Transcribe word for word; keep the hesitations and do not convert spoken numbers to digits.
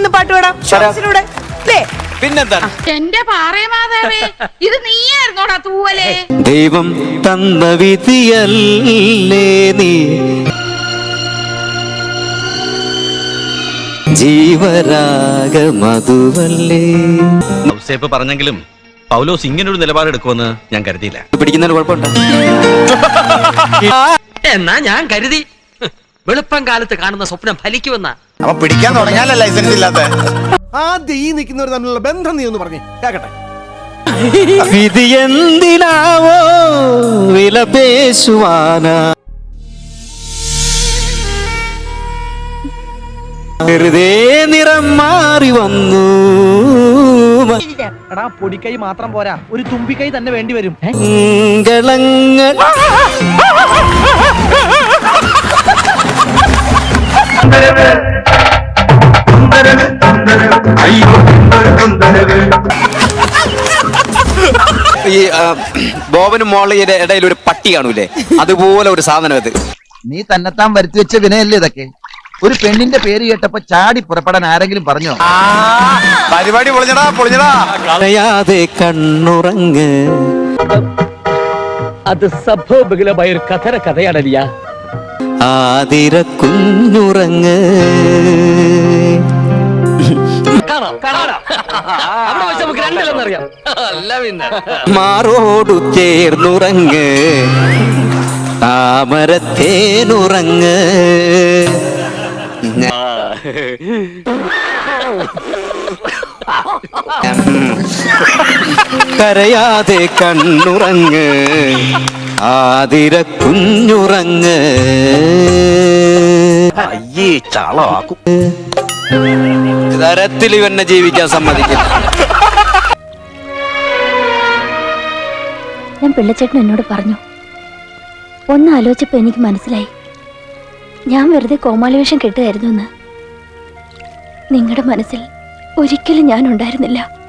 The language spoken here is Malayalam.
നമുക്കൊന്ന് പാട്ട് പാടാം ഷോസിലൂടെ അല്ലേ? പിന്നെന്താണ്? എന്റെ പാറേമാതാവേ, ഇത് നീയായിരുന്നോടാ തൂവലേ? ദൈവം തന്ന വിധിയല്ലേ നീ, ജീവരാഗ മധുവല്ലേ. ഔസേപ്പ് പറഞ്ഞെങ്കിലും പൗലോസ് ഇങ്ങനൊരു നിലപാടെടുക്കുമെന്ന് ഞാൻ കരുതിയില്ല. പിടിക്കുന്നതിന് കുഴപ്പമുണ്ടോ? എന്നാ ഞാൻ കരുതി വെളുപ്പം കാലത്ത് കാണുന്ന സ്വപ്നം ഫലിക്കുമെന്ന. അപ്പൊ പിടിക്കാൻ തുടങ്ങിയാലേ ലൈസൻസ് ഇല്ലാത്ത. ആദ്യം ഈ നിൽക്കുന്നവർ തമ്മിലുള്ള ബന്ധം നീ ഒന്ന് പറഞ്ഞേ കേക്കട്ടെ. വിധി എന്തിനാവോ വില പേശുവാനാ, വെറുതെ നിറം മാറി വന്നു. എടാ പൊടിക്കൈ മാത്രം പോരാ, ഒരു തുമ്പിക്കൈ തന്നെ വേണ്ടി വരും. മംഗളങ്ങൾ ഈ ബോബനും മോളയുടെ ഇടയിൽ ഒരു പട്ടി കാണൂലേ, അതുപോലെ ഒരു സാധനം അത്. നീ തന്നെത്താൻ വരുത്തി വെച്ച വിനയല്ലേ ഇതൊക്കെ? ഒരു പെണ്ണിന്റെ പേര് കേട്ടപ്പോ ചാടി പുറപ്പെടാൻ ആരെങ്കിലും പറഞ്ഞോ? പരിപാടി പൊളിഞ്ഞടാ പൊളിഞ്ഞടാ. കളയാതെ കണ്ണുറങ്ങ്. അത് സംഭവബഹുലമായ ഒരു കഥന കഥയാണല്ല. ആതിര കുഞ്ഞുറങ്ങ്. മാറോടു ചേർന്നുറങ്ങ്, താമരത്തേനുറങ്ങ്. കരയാതെ കണ്ണുറങ്ങ്, ആതിര കുഞ്ഞുറങ്ങ്. അയ്യേ ചാളാക്കും. തരത്തിൽ ഇവന്നെ ജീവിക്കാൻ സമ്മതിക്കില്ല. ഞാൻ പിള്ളച്ചേട്ടൻ എന്നോട് പറഞ്ഞു. ഒന്ന് ആലോചിച്ചപ്പോ എനിക്ക് മനസ്സിലായി, ഞാൻ വെറുതെ കോമാളിവേഷം കെട്ടുകയായിരുന്നു എന്ന്. നിങ്ങളുടെ മനസ്സിൽ ഒരിക്കലും ഞാൻ ഉണ്ടായിരുന്നില്ല.